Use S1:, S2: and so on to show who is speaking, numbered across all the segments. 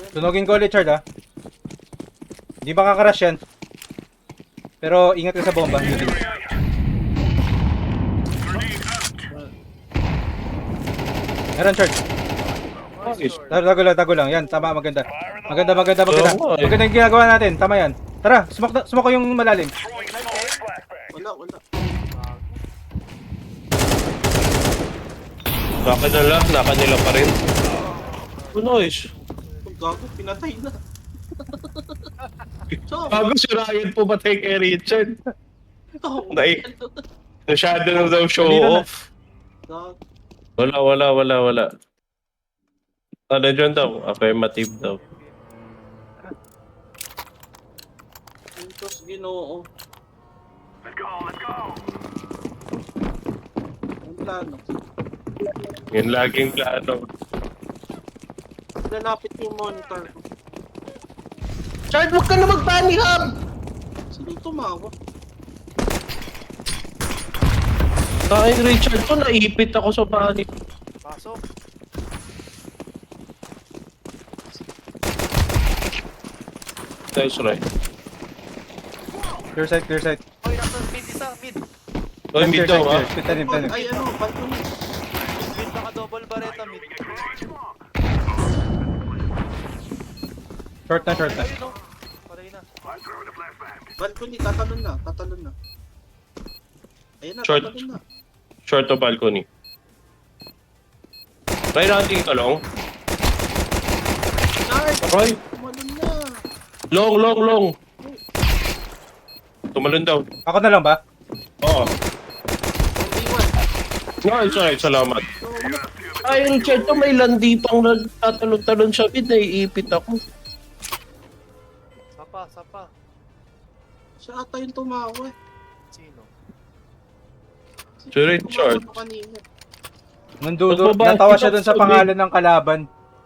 S1: Sunugin ko ulit, Chard, ha? Di ba kakarash yan? Pero ingat ka sa bomba. Meron, Chard. Tago lang. Yan, tama, maganda. Maganda. Maganda yung ginagawa natin. Tama yan. Tara, smoke ko yung malalim.
S2: Wala.
S3: Naka nila pa rin. Oh, nice.
S2: Ang gago, pinatay na. So,
S3: Bago si Ryan pumatay kay Richard.
S2: oh,
S3: Nay. Masyado na daw show
S1: Kanina na.
S3: off.
S2: gago.
S3: Wala. Ano dyan daw? Affirmative daw.
S2: Pintos Ginoo. Ang plano.
S3: Yun laging plano.
S2: Lalapit yung monitor ko.
S3: Chard, huwag ka na mag-bunny hub!
S2: Sino tumawa?
S3: Ay, Richard to, naipit ako sa bunny.
S4: Pasok.
S3: Nice, right.
S1: Clear sight.
S4: Oy, nasa mid isa, mid.
S3: Oy, mid daw, ha?
S1: Tanim.
S2: Ay, ano, balcony.
S4: Mid naka-double barreta, mid.
S1: Short na.
S4: Ayun no. Patay na.
S2: Balcony, tatalon na. Ayun na,
S3: Short.
S2: tatalon na.
S3: Short to balcony. Try natin kalong.
S2: Chard!
S3: Aray!
S2: Tumalon na.
S3: Long. Tumalon daw.
S1: Ako na lang ba?
S3: Oo.
S2: Iwan.
S3: Nice, salamat. Ay, Richard to, may landi pang nagtatalon-talon siya. Naiipit ako.
S4: Sapa.
S2: Siya ata yung tumawa eh.
S4: Sino?
S3: Si Richard.
S2: Tumawa kanina.
S1: Nandudo.
S3: Mas
S1: Natawa
S3: mabait
S1: siya dun sa
S3: ka,
S1: pangalan ng kalaban.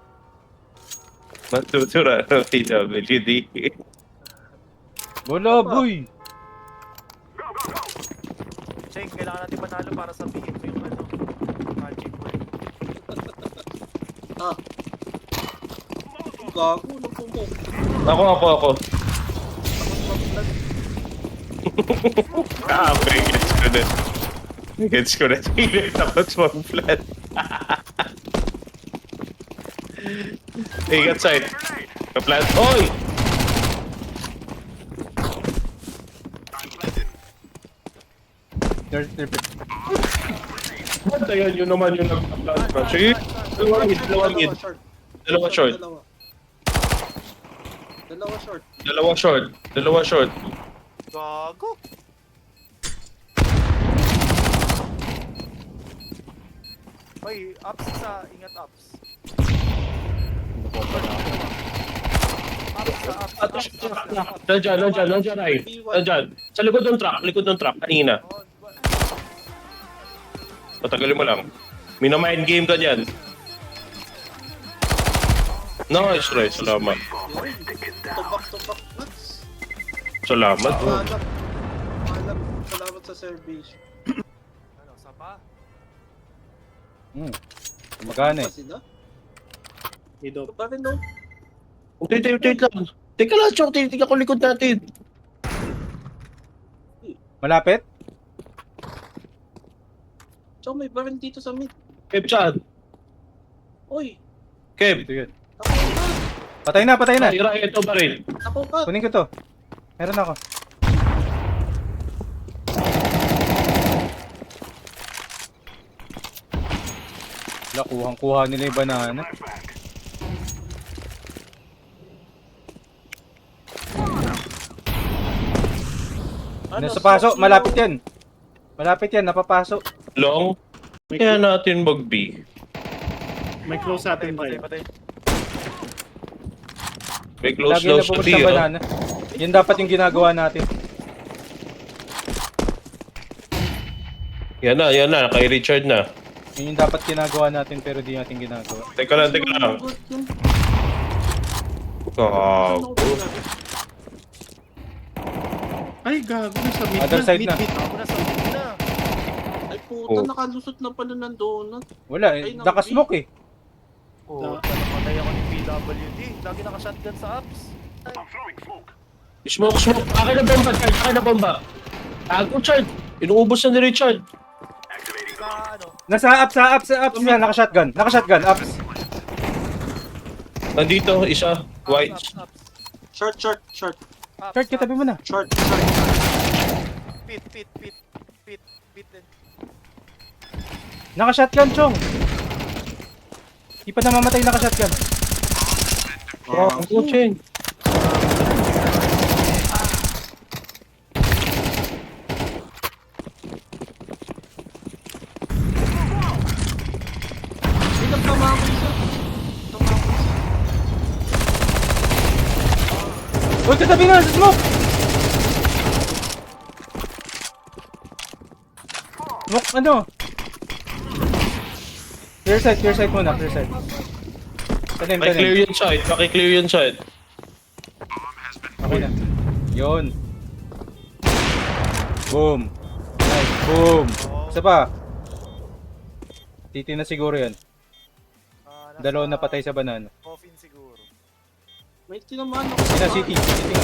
S3: Matutura ng PWD.
S1: Wala, boy.
S4: Cheng, kailangan natin manalo para sabihin mo yung ano. Magic word.
S2: Ah. Gago, nagpumok.
S3: Ako. Okay, gets ko na. Takot mo ang flat. Ingat side. Ka-plant. Oy! Bantayan yun naman yung nag-plant pa. Sige. Dalawa short. Dalawa short.
S4: Gago. Oy, ups isa. Ingat ups. Ups.
S3: Nandiyan, ay. Nandiyan. Sa likod ng truck, kanina. Patagalin mo lang. Minamind game ka dyan. Nice, Ray. Salamat.
S2: Tubak nuts.
S3: Salamat.
S2: Malam. Salamat sa service.
S4: Ano, sapa?
S1: Magana eh.
S2: Sila?
S5: Mido.
S2: Pa rin no?
S3: Wait lang. Teka lang, Chok. Tingnan ko likod natin.
S1: Malapit?
S2: Tsaka may baril dito sa mid.
S3: Kev, saan?
S2: Oy!
S3: Kev.
S1: Ito yun.
S2: Ako ka!
S1: Patay na.
S3: Ira, ito ba rin?
S2: Ako ka!
S1: Kunin ko to. Meron ako. Wala, kuhang-kuha nila yung banana. Nasa paso, malapit yan. Napapasok.
S3: Long. Kaya natin mag-B.
S5: May close natin
S4: Patay.
S5: tayo.
S3: May close
S1: Lagi
S3: daw
S1: na
S3: sa
S1: pumunta
S3: B,
S1: sa
S3: oh.
S1: banana. Yan dapat yung ginagawa natin.
S3: Yan na. Kay Richard na.
S1: Yun yung dapat ginagawa natin pero di natin ginagawa.
S3: Teka lang. Gago.
S5: Ay, gago. Nasa mid
S1: Other side na.
S5: Mid.
S4: Ako na sa mid na.
S2: Ay puta, nakalusot na pala ng donut.
S1: Wala,
S2: Ay,
S1: nakasmoke eh.
S4: Oh, patay ako ni Pete. WD. Lagi naka-shotgun sa apps.
S3: Smoke. Akin na bomba, Chard. Akin na bomba. Tago, Chard. Inuubos na ni Richard.
S4: Sa ano?
S1: Nasa ups na, naka-shotgun, ups.
S3: Nandito, isa. White.
S4: Ups.
S2: Short.
S1: Chart, katabi mo na.
S2: Short.
S4: Pit din.
S1: Naka-shotgun, Chong. Di pa namamatay naka-shotgun.
S3: Tago, Cheng.
S2: Ito, tama ako isa.
S1: Uy, katabi na, sa smoke! Smoke, ano? Clear side muna, clear side. Tanim.
S3: Paki-clear yung side.
S1: Okay na. Yun. Boom. Nice, boom. Isa pa. Titi na siguro yan.
S4: Nasa
S1: Dalawa na patay sa banana.
S4: Coffin siguro.
S2: May tinamaan ako.
S1: Ina, city nga.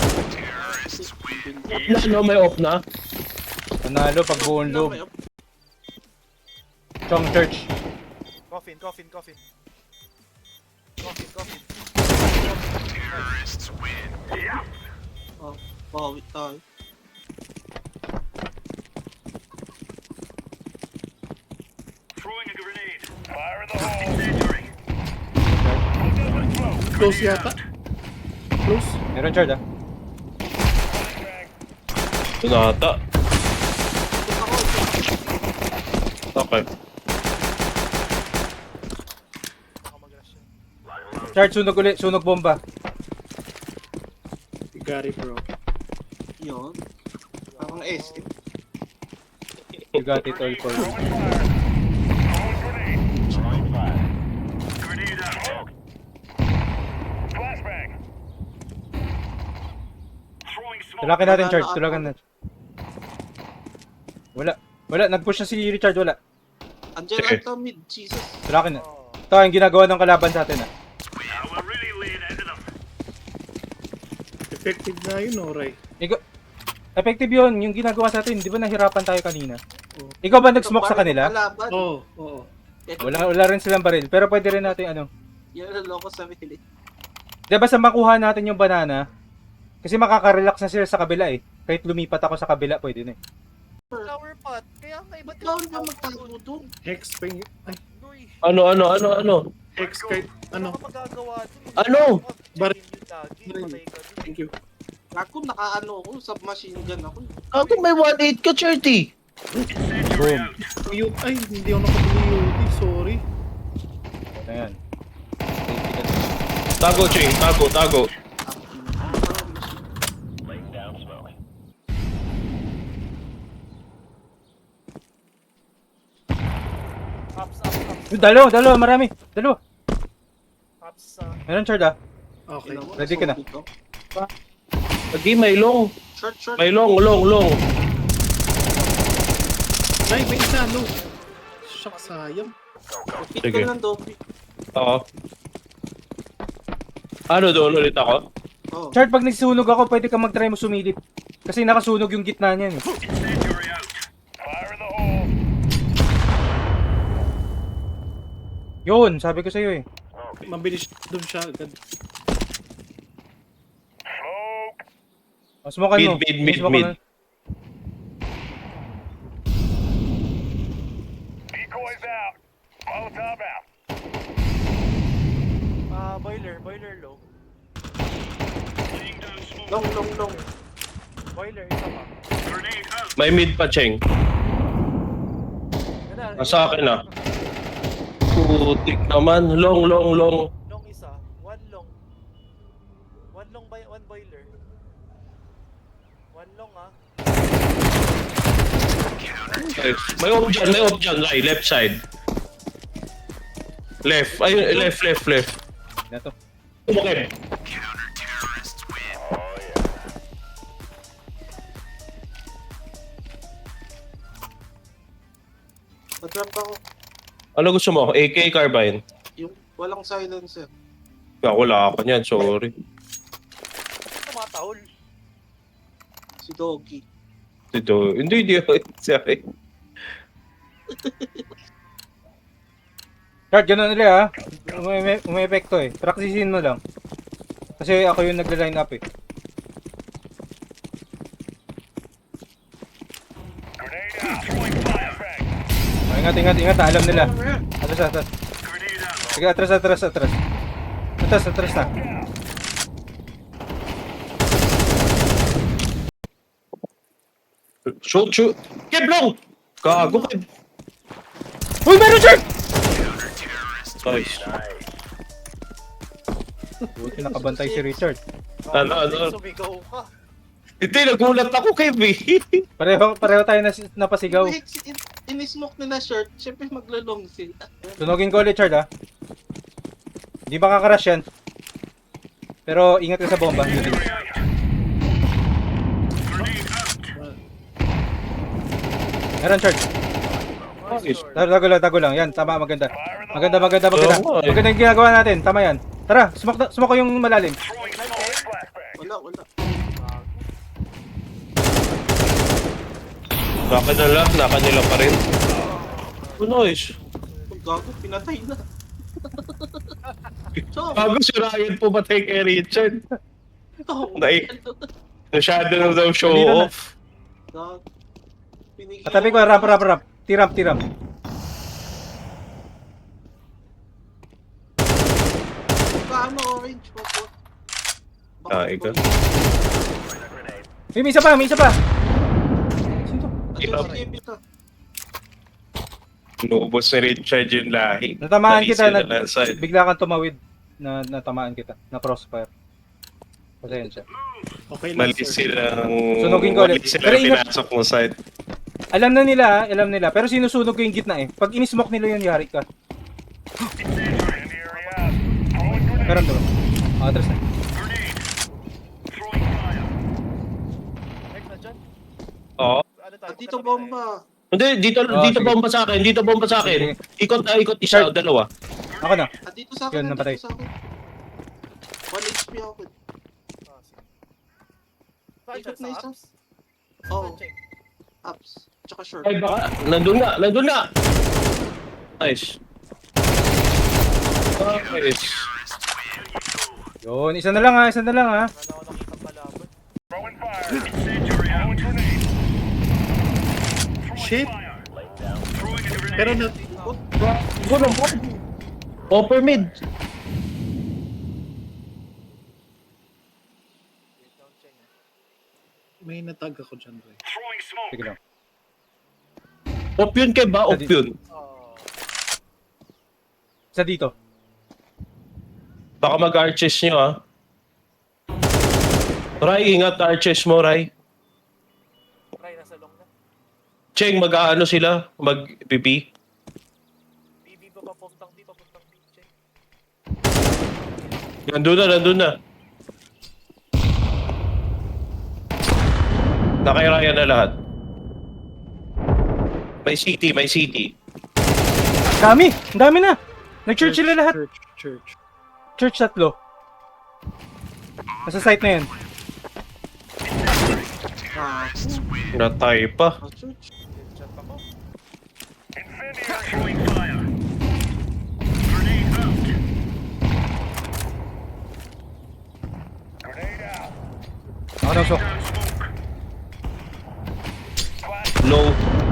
S3: No, may off na.
S1: Panalo pag buong loob. Chong church.
S4: Coffin.
S2: Oh, bawi tayo.
S5: Close yata. Close.
S1: Meron chard ah.
S3: Ito na ata. Okay.
S4: Baka mag-rush yun.
S1: Chard, sunog ulit. Sunog bomba.
S5: You got it, bro.
S2: Yun. Parang S.
S1: You got it all for you. Tulakan natin, Chard. Tulakan natin. Wala. Nag-push na si Richard. Wala.
S2: Andiyan
S3: Sige.
S2: lang to mid. Jesus.
S1: Tulakan na.
S4: Oh.
S1: Ito ang ginagawa ng kalaban sa atin ah.
S5: Effective na yun, Oray.
S1: Effective yun. Yung ginagawa sa atin. Di ba nahirapan tayo kanina? Ikaw ba nag-smoke sa kanila?
S2: Kalaban.
S5: Oo.
S1: Wala rin silang baril. Pero pwede rin natin ano.
S2: Yan ang loko sa mili.
S1: Di ba sa makuha natin yung banana? Kasi makaka-relax na sila sa kabila eh. Kahit lumipat ako sa kabila, pwede na eh.
S4: Flower pot. Kaya nga iba't
S2: Ikaw na magtago doon.
S5: Hex pa yung... Ay,
S4: Noy.
S3: Ano?
S5: Hex kahit...
S4: Ano
S5: Ano?
S4: ka magagawa dun?
S3: Ano?
S5: Bar-
S4: Lagi, patay ka dun.
S5: Thank you.
S2: Ako nakaano ako, submachine gun ako.
S3: Ako may 1-8 ka, Charty.
S1: Boom.
S5: Ay, hindi ako nakapili. Sorry.
S1: Ayan.
S3: Tago, Cheng. Tago.
S4: Ups.
S1: Dalawa, marami. Dalawa.
S4: Ups.
S1: Meron Chard ah.
S5: Okay.
S1: Ready ka na?
S3: Lagi, may long.
S2: Short.
S3: May long.
S5: Ay, may isa, no. Shock, sayang.
S2: Fit
S3: Sige.
S2: ka ng dope.
S3: Oo. Ano doon ulit ako?
S2: Oh.
S1: Chard, pag nagsunog ako, pwede ka mag-try mo sumilip. Kasi nakasunog yung gitna niyan eh. Yun, sabi ko sa'yo eh.
S5: Mabilis doon siya agad.
S1: Smoke mo.
S3: Mid.
S1: Smoke mo.
S4: Boiler low.
S2: Long.
S4: Boiler, isa pa.
S3: May mid pa, Cheng. Nasa akin na. Putik naman. Long.
S4: Long isa. One long. One boiler. One long ah.
S3: Nice. May off dyan, right, left side. Left. Ay, left.
S1: Na to.
S3: Okay.
S2: Natrap ako.
S3: Ano gusto mo? AK carbine.
S2: Yung walang silencer.
S3: Wala ako niyan, sorry.
S4: Tumatahol.
S2: Si Doggy.
S3: Ito, hindi ako. Sorry.
S1: Chard, ganun ulit ha. Umepekto eh. Praktisisin mo lang. Kasi ako yung nagla-line up eh. Oh, ingat, ingat, ingat. Alam nila. Atras, atras. Sige, atras, atras, atras. Atras, atras na.
S3: Shoot, shoot. Kev, long! Gago, Kev.
S1: Uy, meron Chard!
S3: Nice.
S1: Buti nakabantay si Richard.
S3: Ano?
S4: Sumigaw ka.
S3: Hindi, nagulat ako, Kev eh.
S1: Pareho tayo napasigaw.
S2: Wait, in-smoke nila short, syempre maglalong sila.
S1: Tunogin ko ulit, Chard ha. Hindi ba kakarash yan? Pero ingat ka sa bomba. Meron, Chard.
S3: Nice.
S1: Tago lang. Yan, tama, maganda. Maganda.
S3: Oo, eh.
S1: Maganda yung ginagawa natin. Tama yan. Tara, sumak ko yung malalim.
S2: Wala.
S3: Naka nila pa rin. Oh, nice.
S2: Ang gago, pinatay na. So,
S3: Bago si Ryan pumatay kay Richard.
S2: oh,
S3: Nay. Masyado na daw show
S1: Kanina na.
S3: off.
S2: gago. Pinigil
S1: Katabi ko,
S2: ako.
S1: rap. Tiram.
S2: Paano orange po po?
S3: Ikaw.
S1: May isa pa. Sino to?
S3: Ikaw.
S2: Sige, bita.
S3: Inuubos ni Richard yung lahi.
S1: Natamaan kita,
S3: Naisi na lang side.
S1: bigla kang tumawid. Natamaan kita. Na crossfire. Pasensya.
S5: Okay lang,
S3: Mali
S5: sir.
S3: silang...
S1: Sunugin ko ulit.
S3: Mali silang
S1: Pero ingat-
S3: pinasok mo side.
S1: Alam nila. Pero sinusunog ko yung gitna eh. Pag inismoke nila yun, yari ka. Meron to. Atras na.
S4: Next na dyan.
S3: Oo.
S4: Ano tayo?
S2: Dito bomba.
S3: Hindi, dito
S1: sige.
S3: bomba sa akin. Dito bomba sa akin. Ikot isa o dalawa.
S1: Ako na.
S2: Dito sa akin.
S1: Yun, napatay.
S2: Dito sa akin. 1 HP ako.
S4: Ah, sige. Saan
S2: Ikot
S4: dyan,
S2: na
S4: sa
S2: isa.
S4: apps?
S2: Oo.
S4: Saan check?
S2: Ups. Tsaka short.
S3: Ay baka, nandun na. Nice. Nice.
S1: Yun, isa na lang ha.
S4: Wala na ako nakitang kalaban.
S5: Shit! Pero na...
S3: Gulong po. Upper mid.
S4: Wait lang, check.
S5: May natag ako dyan, Ray.
S1: Sige lang.
S3: Op yun kay ba? Op yun.
S4: Oh,
S1: Isa dito.
S3: Baka mag-arches nyo ah. Ray, ingat arches mo, Ray.
S4: try nasa long na.
S3: Cheng, mag-aano sila? Mag-PP?
S4: BB pa papuntang B, check.
S3: Nandun na. Nakairayan na lahat. May city.
S1: Dami! Ang dami na! Nag-church sila lahat.
S5: Church.
S1: Church 3. Nasa site na yan.
S2: Ah,
S3: Natay pa.
S2: church.
S4: Chat ako.
S1: Ako na, so.
S3: Low.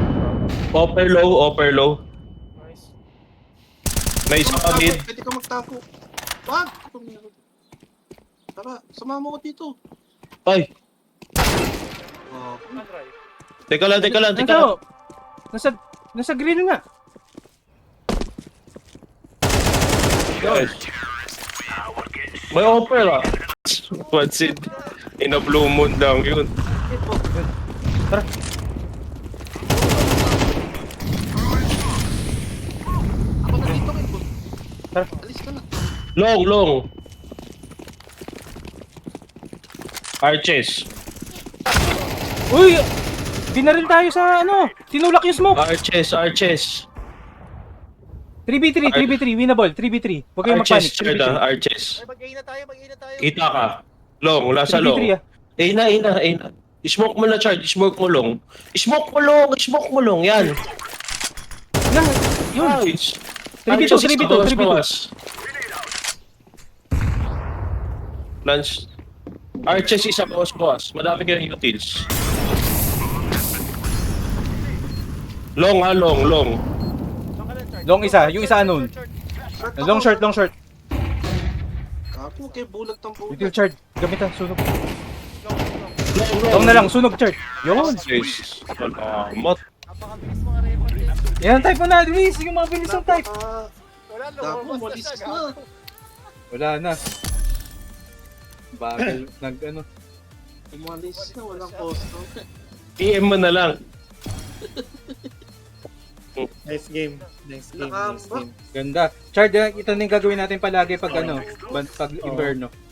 S3: Upper low.
S4: Nice.
S3: May isa pa mid.
S2: Pwede ka magtago. Wag! Ito meron. Tara, sumama ko dito.
S3: Ay,
S2: Oh,
S4: Saan, Ray?
S3: teka lang.
S1: Nasa, nasa grill nga.
S3: Guys. May upper ah. What's it? In a blue moon lang yun.
S1: Tara.
S2: ako na dito kayo.
S1: Tara.
S2: Alis ka na.
S3: Long. Arches.
S1: Uy! Binaril tayo sa ano. Tinulak yung smoke.
S3: Arches.
S1: 3v3, 3v3, winnable, 3v3. Huwag kayong
S3: Arches,
S1: magpanik.
S3: Chard
S1: 3v3.
S3: Arches.
S4: Ay, mag-A na tayo, mag-A na tayo.
S3: Kita ka. Long, wala sa
S1: 3v3
S3: long.
S1: ah.
S3: A na. I-smoke mo na, Chard. I-smoke mo long. I-smoke mo long. Yan.
S1: Yan, yun.
S3: Nice.
S1: 3v2, 3v2, 3v2.
S3: Lance. Arches isa boss. Madami kayong utils. Long.
S4: Long ka lang, Chard.
S1: Long isa, yung isa unknown. Long short.
S2: Kapo, kay bulag ng bulag.
S1: Util Chard, gamit ha, sunog.
S3: Long.
S1: Long na lang, sunog Chard. Yun.
S3: Yes. Salamat.
S4: Napakabilis mga record eh.
S1: Yan ang type mo na, Luis. Yung mga bilis ng type.
S4: Wala,
S2: Gago,
S4: lumabas
S2: malis
S4: siya,
S2: na.
S4: gago.
S1: Wala na. Bagal, ano.
S2: Umalis na, walang customer.
S3: PM mo na lang.
S5: Nice game. Nice game.
S2: Nakamba.
S1: Ganda. Chard, ito na yung gagawin natin palagi pag pag inverno.